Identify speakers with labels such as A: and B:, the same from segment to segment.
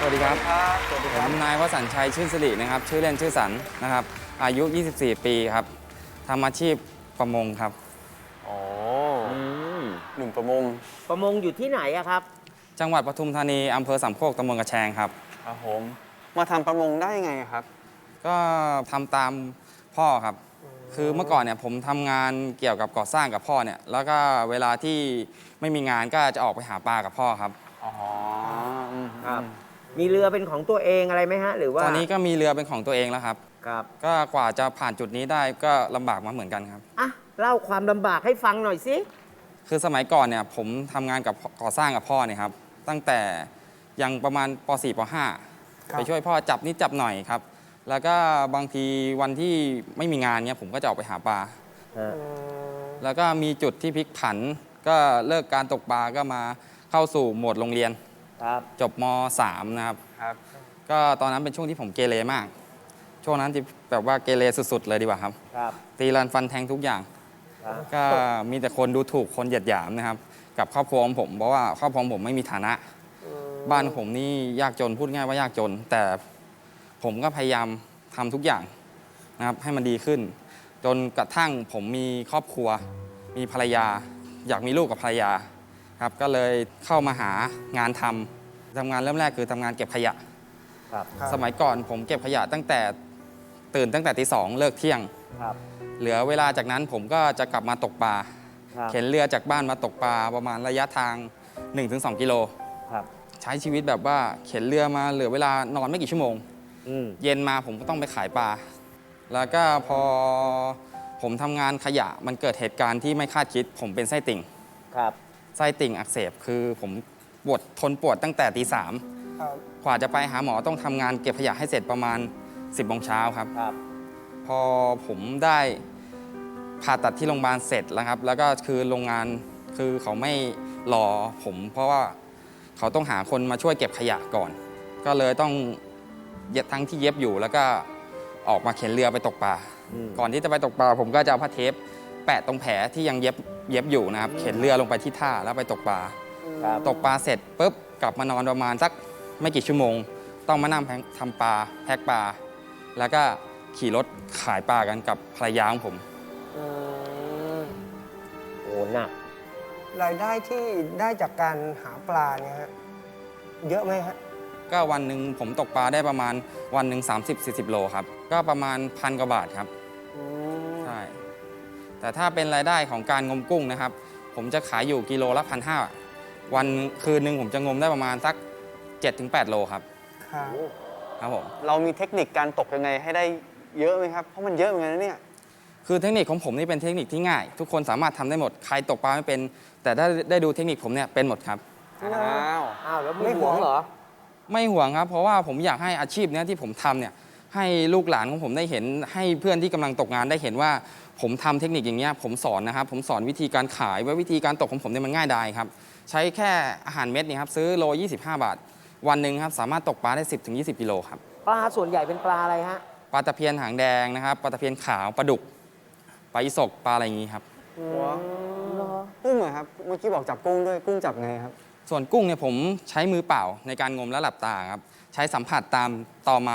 A: วัสดีครับ
B: สวัสดี
A: ผ
B: ครับ
A: มนายวสันต์ชัยชื่นสิรินะครับชื่อเล่นชื่อสันนะครับอายุ 24 ปีครับทำอาชีพประมงครับ
B: อ๋อ
C: อืม
B: หนุ่มประมง
C: ประมงอยู่ที่ไหนอะครับ
A: จังหวัดปทุมธานีอำเภอสามโคกตำบลกระแชงครับ
B: ครับผม มาทำประมงได้ยังไงครับ
A: ก็ทำตามพ่อครับ คือเมื่อก่อนเนี่ยผมทำงานเกี่ยวกับก่อสร้างกับพ่อเนี่ยแล้วก็เวลาที่ไม่มีงานก็จะออกไปหาปลากับพ่อครับ
B: อ๋ออืม
C: ครับ มีเรือเป็นของตัวเองอะไรไหมฮะ หรือว่า
A: ตอนนี้ก็มีเรือเป็นของตัวเองแล้วครับ
C: ครับ
A: ก็กว่าจะผ่านจุดนี้ได้ก็ลำบากมาเหมือนกันครับ
C: อ่ะเล่าความลำบากให้ฟังหน่อยสิ
A: คือสมัยก่อนเนี่ยผมทำงานกับก่อสร้างกับพ่อเนี่ยครับตั้งแต่ยังประมาณป .4 ป .5 ไปช่วยพ่อจับนิดจับหน่อยครับ แล้วก็บางทีวันที่ไม่มีงานเนี่ยผมก็จะออกไปหาปลา แล้วก็มีจุดที่พลิกผัน ก็เลิกการตกปลาก็มาเข้าสู่โหมดโรงเรียน
C: ครับ
A: จบม .3 นะครับ
B: ครับ
A: ก็ตอนนั้นเป็นช่วงที่ผมเกเรมาก ช่วงนั้นที่แบบว่าเกเรสุดๆเลยดีกว่าครับ
C: ครับ
A: ตีรันฟันแทงทุกอย่าง
C: ครับ
A: ก็มีแต่คนดูถูกคนเหยียดหยามนะครับ กับครอบครัวของผมเพราะว่าครอบครัวของผมไม่มีฐานะ บ้านของผมนี่ยากจนพูดง่ายว่ายากจน แต่ผมก็พยายามทำทุกอย่างนะครับให้มันดีขึ้น จนกระทั่งผมมีครอบครัว มีภรรยา อยากมีลูกกับภรรยาครับก็เลยเข้ามาหางานทำงานเริ่มแรกคือทำงานเก็บขยะ
C: ครับ
A: สมัยก่อนผมเก็บขยะตั้งแต่ตื่นตั้งแต่ตี 2เลิกเที่ยง
C: ครับ
A: เหลือเวลาจากนั้นผมก็จะกลับมาตกปลา
C: ครับ
A: เข็นเรือจากบ้านมาตกปลาประมาณระยะทาง 1-2 กิโล
C: ครับ
A: ใช้ชีวิตแบบว่าเข็นเรือมาเหลือเวลานอนไม่กี่ชั่วโมง
C: อืม
A: เย็นมาผมก็ต้องไปขายปลา แล้วก็พอผมทำงานขยะมันเกิดเหตุการณ์ที่ไม่คาดคิด ผมเป็นไส้ติ่ง
C: ครับ
A: ไส้ติ่งอักเสบคือผมทนปวดตั้งแต่ตี 3
B: ครับ
A: กว่าจะไปหาหมอต้องทำงานเก็บขยะให้เสร็จประมาณ 10 โมงเช้าครับ
C: ครับ
A: พอผมได้ผ่าตัดที่โรงพยาบาลเสร็จแล้วครับ แล้วก็คือโรงงานคือเขาไม่รอผม เพราะว่าเขาต้องหาคนมาช่วยเก็บขยะก่อน ก็เลยต้องทั้งที่เย็บอยู่แล้วก็ออกมาเข็นเรือไปตกปลา
C: อืม
A: ก่อนที่จะไปตกปลาผมก็จะเอาผ้าเทปแปะตรงแผลที่ยังเย็บอยู่นะครับ เข็นเรือลงไปที่ท่าแล้วไปตกปลา
C: ครับ
A: ตกปลาเสร็จปุ๊บกลับมานอนประมาณสักไม่กี่ชั่วโมง ต้องมานั่งทำปลาแพ็คปลา แล้วก็ขี่รถขายปลากันกับภรรยาของผม
C: อืมโอ้หนัก
D: รายได้ที่ได้จากการหาปลาเนี่ยฮะเยอะไหมฮะ
A: ก็วันหนึ่งผมตกปลาได้ประมาณวันหนึ่ง30-40 โลครับ ก็ประมาณ1,000 กว่าบาทครับใช่แต่ถ้าเป็นรายได้ของการงมกุ้งนะครับ ผมจะขายอยู่กิโลละ1,500วันคืนหนึ่งผมจะงมได้ประมาณสัก 7-8 โลครับ
D: ครับ
A: ครับผม
B: เรามีเทคนิคการตกยังไงให้ได้เยอะไหมครับ เพราะมันเยอะเหมือนกันนะเนี่ย
A: คือเทคนิคของผมนี่เป็นเทคนิคที่ง่าย ทุกคนสามารถทำได้หมดใครตกปลาไม่เป็น แต่ถ้าได้ดูเทคนิคผมเนี่ยเป็นหมดครับ
B: อ้าว
C: อ้าวแล้วไม่ห่วงเหรอ
A: ไม่ห่วงครับ เพราะว่าผมอยากให้อาชีพเนี้ยที่ผมทำเนี่ยให้ลูกหลานของผมได้เห็น ให้เพื่อนที่กำลังตกงานได้เห็นว่าผมทำเทคนิคอย่างเงี้ยผมสอนนะครับ ผมสอนวิธีการขายว่าวิธีการตกของผมเนี่ยมันง่ายดายครับ ใช้แค่อาหารเม็ดนี่ครับซื้อโล25 บาท วันหนึ่งครับสามารถตกปลาได้ 10-20 กิโลครับ
C: ปลาส่วนใหญ่เป็นปลาอะไรฮะ
A: ปลาตะเพียนหางแดงนะครับปลาตะเพียนขาวปลาดุกปลาอีสกปลาอะไรอย่างงี้ครับ
B: หัวกุ้งเหรอครับ เมื่อกี้บอกจับกุ้งด้วย กุ้งจับไงครับ
A: ส่วนกุ้งเนี่ยผมใช้มือเปล่าในการงมและหลับตาครับใช้สัมผัสตามตอไม้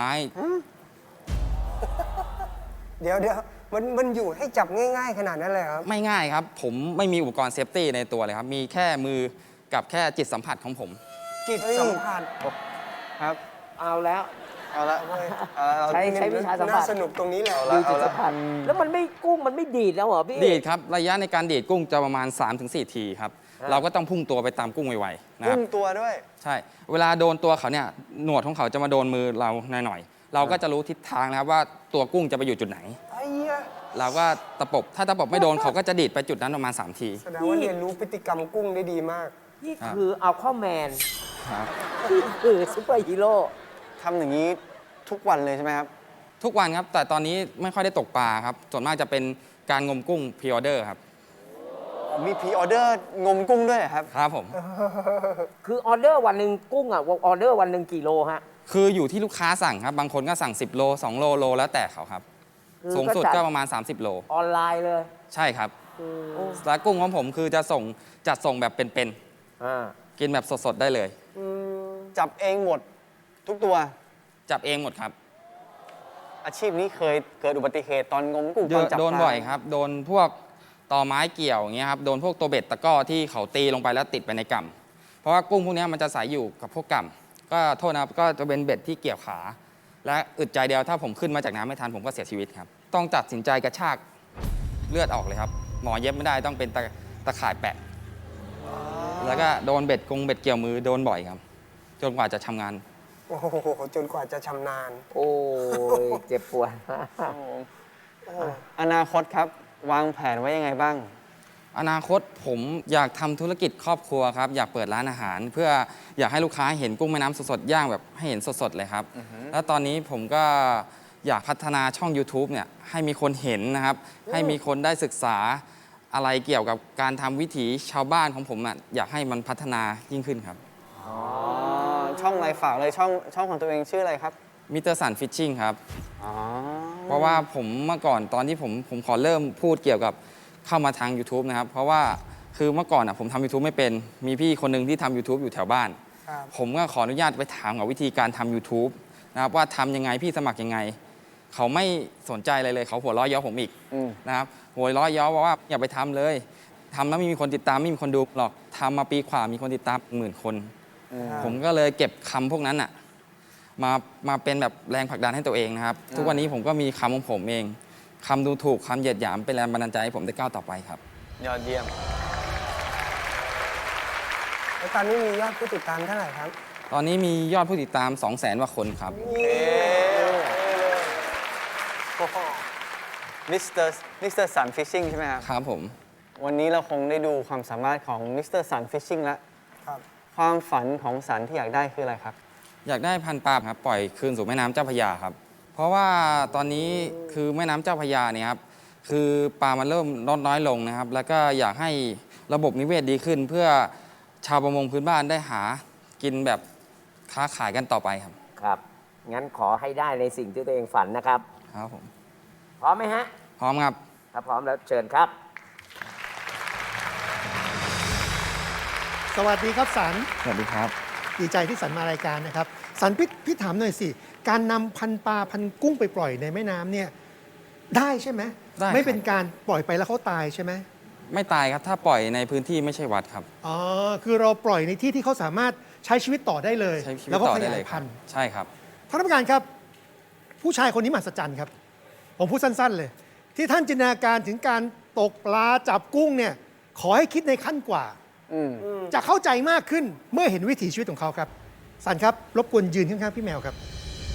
D: เดี๋ยวมันอยู่ให้จับง่าย ๆ ขนาดนั้นเลยครับ
A: ไม่ง่ายครับ ผมไม่มีอุปกรณ์เซฟตี้ในตัวเลยครับ มีแค่มือกับแค่จิตสัมผัสของผม
D: จิตสัมผัส
B: ครับ
C: เอาแล้ว
B: เอาละเอาละ
C: ใช้วิชาสัมผัส
D: น่าสนุกตรงนี้แหละ
C: ดูจิตสัมผัสแล้วมันไม่กุ้งมันไม่ดีดแล้วเหรอพี่
A: ดีดครับ ระยะในการดีดกุ้งจะประมาณ 3-4 ทีครับ เราก็ต้องพุ่งตัวไปตามกุ้งไวๆนะค
B: กุ้
A: รับ
B: งตัวด้วย
A: ใช่ เวลาโดนตัวเขาเนี่ยหนวดของเขาจะมาโดนมือเราหน่อยๆเราก็จะรู้ทิศทางนะครับว่าตัวกุ้งจะไปอยู่จุดไหน
D: ไอ้เหี้ย
A: เราก็ตะปบถ้าตะปบไม่โดนเขาก็จะดีดไปจุดนั้นประมาณ3 ที
D: แสดงว่าเรียนรู้พฤติกรรมกุ้งได้ดีมาก
C: นี่คือเอาข้อแมน
A: ครับ
C: นี่คือซุปเปอร์ฮีโร่
B: ทำอย่างนี้ทุกวันเลยใช่ไหมครับ
A: ทุกวันครับ แต่ตอนนี้ไม่ค่อยได้ตกปลาครับส่วนมากจะเป็นการงมกุ้งพรีออเดอร์ครับ
B: มีพรีออเดอร์งมกุ้งด้วยเหรอครับ
A: ครับผม
C: คือออเดอร์วันหนึ่งกุ้งอ่ะออเดอร์วันหนึ่งกี่โลฮะ
A: คืออยู่ที่ลูกค้าสั่งครับ บางคนก็สั่ง 10 โล 2 โล โลแล้วแต่เขาครับ
C: คือ
A: สูงสุด
C: ก็จัด
A: ก็ประมาณ 30 โล
C: ออนไลน์เลย
A: ใช่ครับแล้วกุ้งของผมคือจะจัดส่งแบบเป็น
C: อ่า
A: ๆ กินแบบสดๆ ได้เลย
B: จับเองหมดทุกตัว
A: จับเองหมดครับ
B: อาชีพนี้เคยเกิดอุบัติเหตุตอนงมกุ้งตอนจับปลา
A: โดนบ่อยครับ โดนพวกตอไม้เกี่ยวอย่างเงี้ยครับ โดนพวกตัวเบ็ดตะกร้อที่เขาตีลงไปแล้วติดไปในก่ำเพราะว่ากุ้งพวกเนี้ยมันจะใสอยู่กับพวกก่ำก็โทษนะครับ ก็จะเป็นเบ็ดที่เกี่ยวขา และอึดใจเดียวถ้าผมขึ้นมาจากน้ำไม่ทันผมก็เสียชีวิตครับ ต้องตัดสินใจกระชากเลือดออกเลยครับ หมอเย็บไม่ได้ต้องเป็นตะข่ายแปะ แล้วก็โดนเบ็ดเกี่ยวมือโดนบ่อยครับ จนกว่าจะทำงาน
D: โอ้โหจนกว่าจะชำนาญ
C: โอ้ย เจ็บปวด
B: อนาคตครับ วางแผนไว้ยังไงบ้าง
A: อนาคตผมอยากทำธุรกิจครอบครัวครับ อยากเปิดร้านอาหาร เพื่ออยากให้ลูกค้าเห็นกุ้งแม่น้ำสดๆย่างแบบให้เห็นสดๆเลยครับ แล้วตอนนี้ผมก็อยากพัฒนาช่อง YouTube เนี่ยให้มีคนเห็นนะครับ ให้มีคนได้ศึกษาอะไรเกี่ยวกับการทำวิถีชาวบ้านของผมอ่ะอยากให้มันพัฒนายิ่งขึ้นครับ
B: ช่องอะไรฝากเลยช่องของตัวเองชื่ออะไรครับ
A: มิเตอร์สันฟิชชิ่งครับ
B: อ๋อ
A: เพราะว่าผมเมื่อก่อนตอนที่ผมขอเริ่มพูดเกี่ยวกับเข้ามาทาง YouTube นะครับ เพราะว่าคือเมื่อก่อนผมทำ YouTube ไม่เป็นมีพี่คนหนึ่งที่ทำ YouTube อยู่แถวบ้าน
D: ครับ
A: ผมก็ขออนุญาตไปถามกับวิธีการทำ YouTube นะครับว่าทำยังไงพี่สมัครยังไง เขาไม่สนใจอะไรเลยเขาหัวเราะเย้อผมอีก
B: อืม
A: นะครับหัวเราะเย้อว่าอย่าไปทำเลยทำแล้วไม่มีคนติดตามไม่มีคนดูหรอกทำมาปีกว่ามีคนติดตาม10,000 คน ผมก็เลยเก็บคำพวกนั้นมาเป็นแบบแรงผลักดันให้ตัวเองนะครับ ทุกวันนี้ผมก็มีคำของผมเองคำดูถูกคำเหยียดหยามเป็นแรงบันดาลใจให้ผมได้ก้าวต่อไปครับ
B: ยอดเยี่ยม
D: แล้วตอนนี้มียอดผู้ติดตามเท่าไหร่ครับ
A: ตอนนี้มียอดผู้ติดตาม 200,000 กว่าคนครับ
B: มิสเตอร์สันฟิชชิ่งใช่ไหมครับ
A: ครับผม
B: วันนี้เราคงได้ดูความสามารถของมิสเตอร์สันฟิชชิ่งแล้ว
D: ครับ
B: ความฝันของสันที่อยากได้คืออะไรครับ
A: อยากได้พันธุ์ปลาครับปล่อยคืนสู่แม่น้ำเจ้าพระยาครับ เพราะว่าตอนนี้คือแม่น้ำเจ้าพระยาเนี่ยครับคือปลามันเริ่มลดน้อยลงนะครับ แล้วก็อยากให้ระบบนิเวศดีขึ้น เพื่อชาวประมงพื้นบ้านได้หากินแบบค้าขายกันต่อไปครับ
C: ครับ งั้นขอให้ได้ในสิ่งที่ตัวเองฝันนะครับ
A: ครับผม
C: พร้อมไหมฮะ
A: พร้อมครับ
C: ถ้าพร้อมแล้วเชิญครับ
E: สวัสดีครับสัน
A: สวัสดีครับ
E: ดีใจที่สันมารายการนะครับ สันพี่ถามหน่อยสิ การนำพันปลาพันกุ้งไปปล่อยในแม่น้ำเนี่ยได้ใช่ไหม
A: ได้ครับ
E: ไม่เป็นการปล่อยไปแล้วเขาตายใช่ไหม
A: ไม่ตายครับถ้าปล่อยในพื้นที่ไม่ใช่วัดครับ
E: อ๋อคือเราปล่อยในที่ที่เขาสามารถใช้ชีวิตต่อได้เลย
A: ใช้ชีวิต
E: แล้วก็
A: ต่อ
E: ข
A: ได้
E: ยา
A: เลย ยค
E: พั
A: รับ
E: นธุ์
A: ใช่ครับ
E: ท่านผู้การครับ ผู้ชายคนนี้มหัศจรรย์ครับ ผมพูดสั้นๆเลย ที่ท่านจินตนาการถึงการตกปลาจับกุ้งเนี่ยขอให้คิดในขั้นกว่า
B: อืม
E: จะเข้าใจมากขึ้นเมื่อเห็นวิถีชีวิตของเขาครับ สันครับรบกวนยืนข้างๆพี่แมวครับ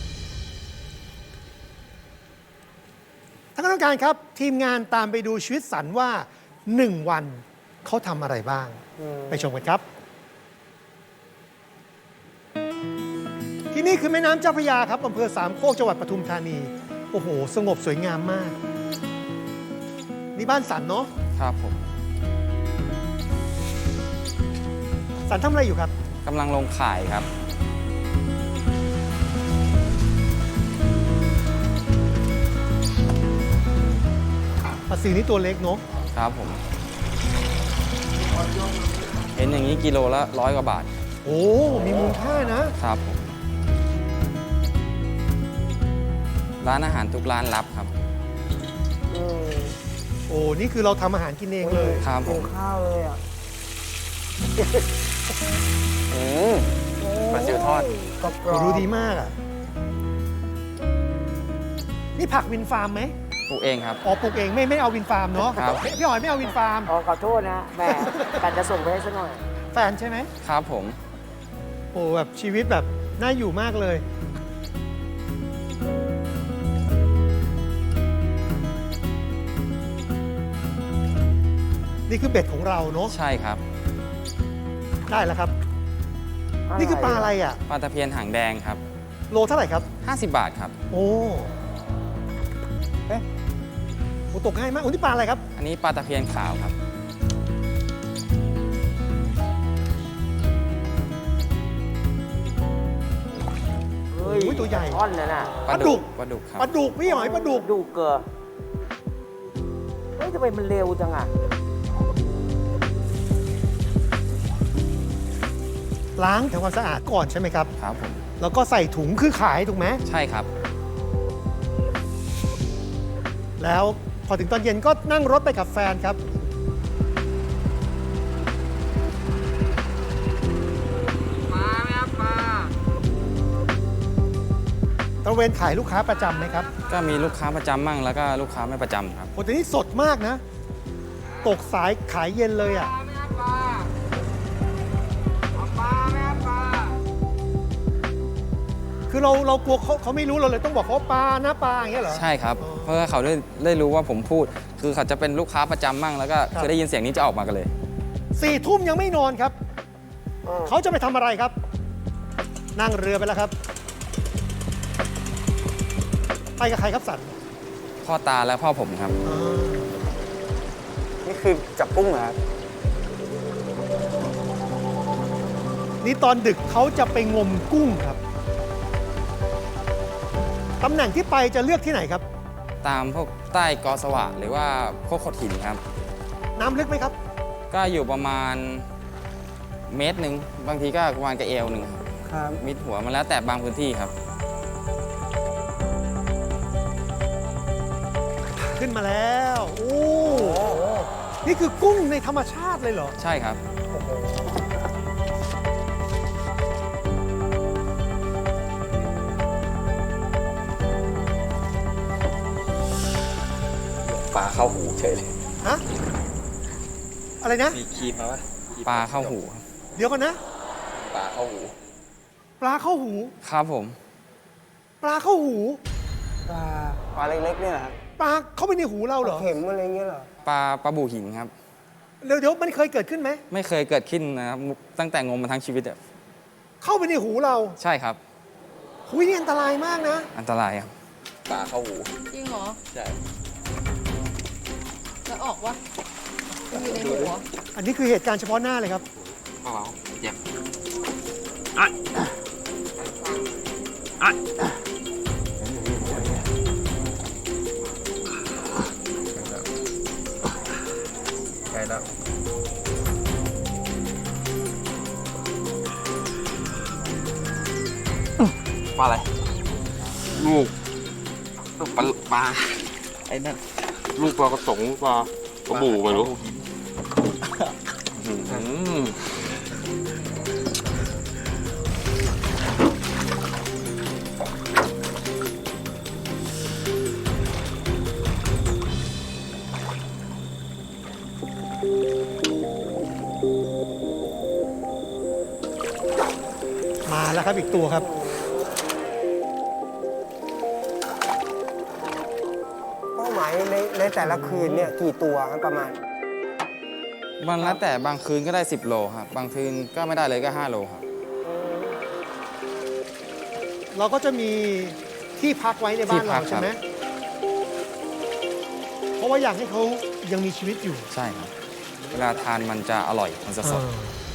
E: ท่านคณะกรรมการครับ ทีมงานตามไปดูชีวิตสันว่า 1 วันเขาทำอะไรบ้าง ไปชมกันครับ ที่นี่คือแม่น้ำเจ้าพระยาครับอำเภอสามโคกจังหวัดปทุมธานี โอ้โห สงบสวยงามมาก นี่บ้านสันเนาะ
A: ครับผม
E: สันทำอะไรอยู่ครับ
A: กำลังลงข่ายครับ
E: ปลาซิวนี่ตัวเล็กเนาะ
A: ครับผม เห็นอย่างนี้กิโลละ100 กว่าบาท
E: โอ้ มีมูลค่านะ
A: ครับผม ร้านอาหารทุกร้านรับครับ
E: โอ้ นี่คือเราทำอาหารกินเองเลย
A: ครับผ
D: กิน
A: ม
D: ข้าวเลยอ่ะ
B: อืม ปลาซิวทอด
D: กรอบ
E: โอ้ดูดีมากอ่ะ นี่ผักวินฟาร์มไหม
A: ปลูกเองครับ
E: อ๋อปลูกเองไม่เอาวินฟาร์มเนาะ
A: ครับ
E: พี่หอยไม่เอาวินฟาร์ม
C: ขอโทษนะแหม่กันจะส่งไปให้ซะหน่อย
E: แฟนใช่ไหม
A: ครับผม
E: โอ้แบบชีวิตแบบน่าอยู่มากเลย นี่คือเบ็ดของเราเนาะ
A: ใช่ครับ
E: ได้แล้วครับ นี่คือปลาอะไรอ่ะ
A: ปลาตะเพียนหางแดงครับ
E: โลเท่าไหร่ครับ
A: 50 บาทครับ
E: โอ้เอ๊ะโอ้ตกง่ายมากโอ้นี่ปลาอะไรครับ
A: อันนี้ปลาตะเพียนขาวครับ
C: เฮ้ย
E: โอ้ยตัวใหญ่
C: ท่อนนั่นน่ะ
E: ปลาดุก
A: ปลาดุกครับ
E: ปลาดุกพี่หอยปลาดุก
C: ดูเกลือเฮ้ยทำไมมันเร็วจังอ่ะ
E: โล้างทำความสะอาดก่อนใช่ไหมครับ
A: ครับผม
E: แล้วก็ใส่ถุงคือขายถูกไหม
A: ใช่ครับ
E: แล้วพอถึงตอนเย็นก็นั่งรถไปกับแฟนครับ ตระเวนขายลูกค้าประจำไหมครับ
A: ก็มีลูกค้าประจำมั่งแล้วก็ลูกค้าไม่ประจำครับ
E: โอ้แต่นี่สดมากนะ ตกสายขายเย็นเลยอ่ะ คือเรากลัวเขาไม่รู้เราเลยต้องบอกเขาปลานะปลาอย่างเงี้ยเหรอ
A: ใช่ครับ เพื่อเขาได้รู้ว่าผมพูด คือเขาจะเป็นลูกค้าประจำมั่งแล้วก็
E: ครับ
A: คือได้ยินเสียงนี้จะออกมากันเลย
E: 4 ทุ่มยังไม่นอนครับ เขาจะไปทำอะไรครับ นั่งเรือไปแล้วครับ ไปกับใครครับสัน
A: พ่อตาและพ่อผมครับ
B: นี่คือจับกุ้งเหรอครับ
E: นี่ตอนดึกเขาจะไปงมกุ้งครับ ตำแหน่งที่ไปจะเลือกที่ไหนครับ
A: ตามพวกใต้กอสวะหรือว่าพวกโขดหินครับ
E: น้ำลึกไหมครับ
A: ก็อยู่ประมาณเมตรหนึ่งบางทีก็ประมาณกระเอวหนึ่งครับ
B: ครับ
A: มิดหัวมันแล้วแต่บางพื้นที่ครับ
E: ขึ้นมาแล้ว โอ้ นี่คือกุ้งในธรรมชาติเลยเหรอ
A: ใช่ครับ
F: ปลาเข้าหูเฉยเลย
E: ฮะ อะไรนะ
F: มีคีบมาปะ
A: ปลาเข้าหูครับ
E: เดี๋ยวก่อนนะ
F: ปลาเข้าหู
E: ปลาเข้าหู
A: ครับผม
E: ปลาเข้าหู
B: ปลาเล็กๆเนี่ยนะครับ
E: ปลาเข้าไปในหูเราเหรอ
D: เข็มอะไรเงี้ยเหรอ
A: ปลาบูหินครับ
E: เดี๋ยวมันเคยเกิดขึ้นไหม
A: ไม่เคยเกิดขึ้นนะครับ ตั้งแต่งมมาทั้งชีวิตอะ
E: เข้าไปในหูเรา
A: ใช่ครับ
E: หุยนี่อันตรายมากนะ
A: อันตรายครับ
F: ปลาเข้าหู
G: จริงเหรอ
F: ใช่
G: แล้วออกวะมันอยู่ในหัว
E: อันนี้คือเหตุการณ์เฉพาะหน้าเลยครับ
F: อ๋อเจ็บ ใกล้แล้ว ปลาอะไร ลูกปลาไอ้นั่น
H: ลูกปลากระสงปลากระบูไม่รู้
E: มาแล้วครับอีกตัวครับ
D: เป้าหมายในแต่ละคืนเนี่ยกี่ตัวครับประมาณ
A: มันแล้วแต่บางคืนก็ได้ 10 โลครับ บางคืนก็ไม่ได้เลยก็ 5 โลครับ
E: เราก็จะมีที่พักไว้ในบ้าน
A: ที่พั
E: เรา
A: ก
E: ใช่ไหม
A: ครับ
E: เพราะว่าอยากให้เขายังมีชีวิตอยู่
A: ใช่ครับ เวลาทานมันจะอร่อย มันจะสด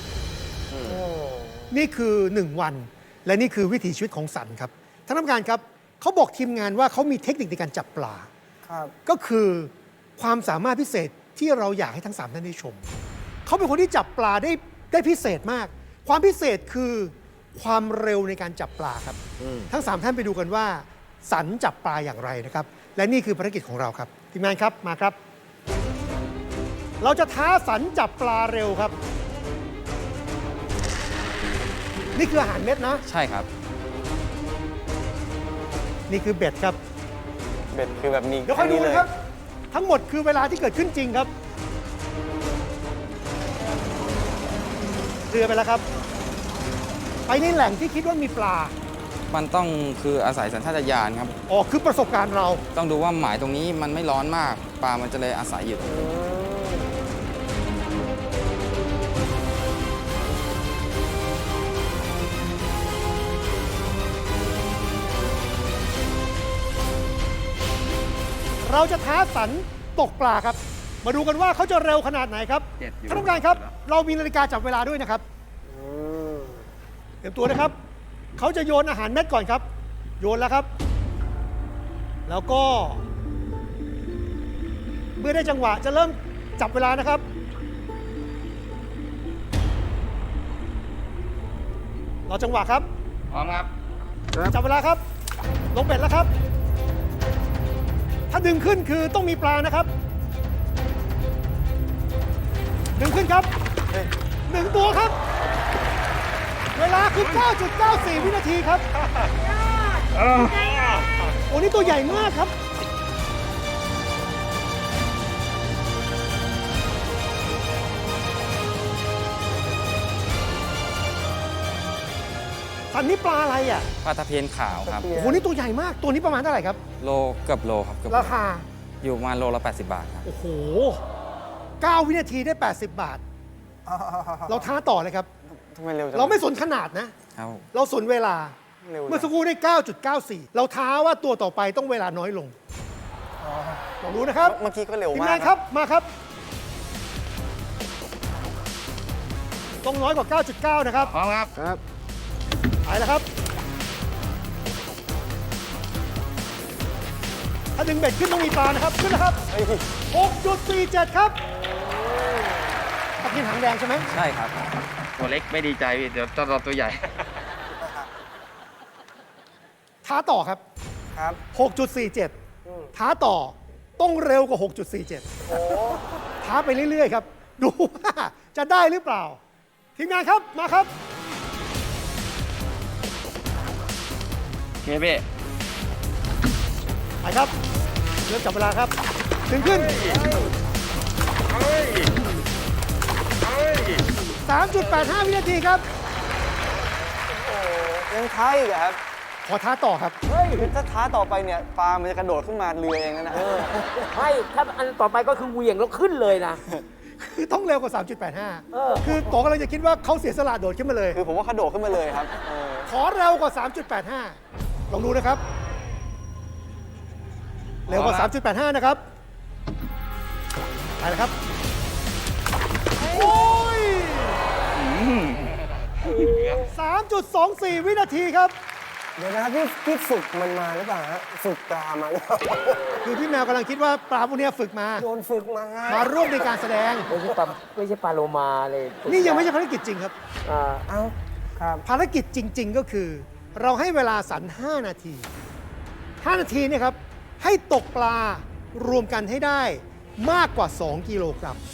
E: นี่คือ 1 วัน และนี่คือวิถีชีวิตของสันครับท่านผู้การครับเขาบอกทีมงานว่าเขามีเทคนิคในการจับปลา
D: ครับ
E: ก็คือความสามารถพิเศษที่เราอยากให้ทั้ง 3 ท่านได้ชม เขาเป็นคนที่จับปลาได้พิเศษมาก ความพิเศษคือความเร็วในการจับปลาครับ ทั้ง 3 ท่านไปดูกันว่า สันจับปลาอย่างไรนะครับ และนี่คือภารกิจของเราครับทีมงานครับมาครับ เราจะท้าสันจับปลาเร็วครับ นี่คืออาหารเม็ดนะ
A: ใช่ครับ
E: นี่คือเบ็ดครับ
B: เบ็ดคือแบบนี้
E: เดี๋ยวค่อยดูนะครับ ทั้งหมดคือเวลาที่เกิดขึ้นจริงครับ เรือไปแล้วครับ ไปในแหล่งที่คิดว่ามีปลา
A: มันต้องคืออาศัยสัญชาตญาณครับ
E: อ๋อ คือประสบการณ์เรา
A: ต้องดูว่าหมายตรงนี้มันไม่ร้อนมาก ปลามันจะเลยอาศัยอยู่
E: เราจะท้าสันตกปลาครับ มาดูกันว่าเขาจะเร็วขนาดไหนครับท่านผู้การครับ เรามีนาฬิกาจับเวลาด้วยนะครับเตรียมตัวนะครับ เขาจะโยนอาหารเม็ดก่อนครับ โยนแล้วครับ แล้วก็ เมื่อได้จังหวะจะเริ่มจับเวลานะครับอจังหวะครับ
F: พร้อมครับ
E: จับเวลาครับ ลงเบ็ดแล้วครับ ถ้าดึงขึ้นคือต้องมีปลานะครับ ดึงขึ้นครับหนึ่งตัวครับ เวลาคือ 9.94 วินาทีครับ โอ้นี่ตัวใหญ่มากครับ สันนี้ปลาอะไรอ่ะ
A: ปลาตะเพียนขาวครับ
E: โอ้โห นี่ตัวใหญ่มาก ตัวนี้ประมาณเท่าไหร่ครับ
A: โลเกือบโลครับเกือบโล
E: ราคา
A: อยู่ประมาณโลละ 80 บาทครับ
E: โอ้โห 9 วินาทีได้ 80 บาท เราท้าต่อเลยครับ
B: ทำไมเร็วจัง
E: เราไม่สนขนาดนะ
A: ครับ
E: เราสนเวลา
B: เร็วจัง
E: เมื่อสักครู่ได้ 9.94 เราท้าว่าตัวต่อไปต้องเวลาน้อยลงลองดูนะครับ
B: เมื่อกี้ก็เร็ว
E: ทีม
B: มาก
E: งานครับ มาครับ ต้องน้อยกว่า 9.9 นะครับ
F: พร้อมครับ
B: ครับ
E: ไปแล้วครับ ถ้าดึงเบ็ดขึ้นต้องมีปลานะครับ ขึ้นนะครับ
B: เฮ้ย
E: 6.47 ครับตะเพียนหางแดงใช่ไหม
A: ใช่ครับ
F: ตัวเล็กไม่ดีใจพี่เดี๋ยวต้องรอตัวใหญ่
E: ท้าต่อครับ
D: ครับ
E: 6.47 ท้าต่อต้องเร็วกว่า 6.47 ท้าไปเรื่อย ๆ ครับ ดูว่าจะได้หรือเปล่า ทีมงานครับ มาครับ
F: โอเคพี่
E: ไปครับ เริ่มจับเวลาครับ ดึงขึ้น 3.85 วินาทีครับ
B: ยังท้าอีกเหรอครับ
E: ขอท้าต่อครับ
B: คือถ้าท้าต่อไปเนี่ยปลามันจะกระโดดขึ้นมาเรือเองนะ
C: ไม่ถ้าอันต่อไปก็คือเหวี่ยงแล้วขึ้นเลยนะ
E: คือต้องเร็วกว่า 3.85 คือต่อกำลังจะคิดว่าเขาเสียสละโดดขึ้นมาเลย
B: คือผมว่าเขาโดดขึ้นมาเลยครับ
E: ขอเร็วกว่า 3.85 ลองดูนะครับ เร็วกว่า 3.85 นะครับ ไปแล้วครับ โอ้ย 3.24 วินาทีครับ
D: เดี๋ยวนะครับพี่ฝึกมันมาหรือเปล่าฮะฝึกปลามาหรือเปล่า
E: คือพี่แมวกำลังคิดว่าปลาพวกเนี้ยฝึกมา
D: โดนฝึกมา
E: มาร่วมในการแสดง
C: ไม่ใช่ปลาโลมาเลย
E: นี่ยังไม่ใช่ภารกิจจริงครับ
C: อ่า
D: เอ้าครับ
E: ภารกิจจริง ๆ ก็คือ เราให้เวลาสัน 5 นาที 5 นาทีเนี่ยครับ ให้ตกปลารวมกันให้ได้มากกว่า 2 กิโลกรัม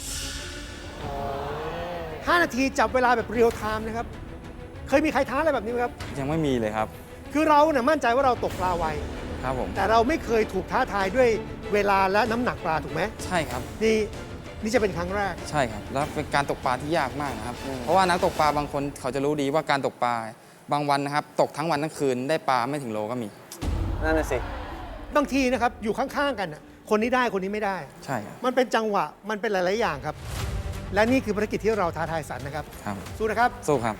E: 5 นาทีจับเวลาแบบเรียลไทม์นะครับ เคยมีใครท้าอะไรแบบนี้ไหมครับ
A: ยังไม่มีเลยครับ
E: คือเราเนี่ยมั่นใจว่าเราตกปลาไว
A: ครับผม
E: แต่เราไม่เคยถูกท้าทายด้วยเวลาและน้ำหนักปลาถูกไหม
A: ใช่ครับ
E: นี่จะเป็นครั้งแรก
A: ใช่ครับ แล้วเป็นการตกปลาที่ยากมากนะครับ เพราะว่านักตกปลาบางคนเขาจะรู้ดีว่าการตกปลาบางวันนะครับ ตกทั้งวันทั้งคืนได้ปลาไม่ถึงโลก็มี
B: นั่นน่ะสิ
E: บางทีนะครับอยู่ข้างๆกันน่ะคนนี้ได้คนนี้ไม่ได้
A: ใช่ครับ
E: มันเป็นจังหวะมันเป็นหลาย ๆ อย่างครับ และนี่คือภารกิจที่เราท้าทายสันนะครับ
A: ครับ
E: สู้นะครับ
A: สู้ครับ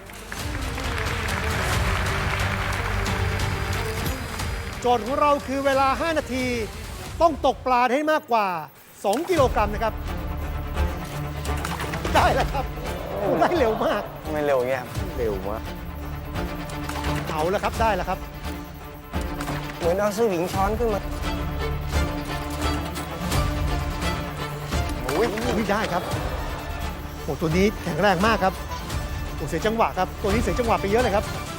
E: โจทย์ของเราคือเวลา 5 นาที ต้องตกปลาให้มากกว่า 2 กิโลกรัมนะครับ ได้แล้วครับโอ้ได้เร็วมาก
B: ทำไมเร็วอย่างเงี้ยครับ
C: เร็วมาก
E: เอาแล้วครับได้แล้วครับ
D: เหมือนเอาสวิงช้อนขึ้นมา
E: อุ้ยได้ครับโอ้ตัวนี้แข็งแรงมากครับโอ้เสียจังหวะครับ ตัวนี้เสียจังหวะไปเยอะเลยครับ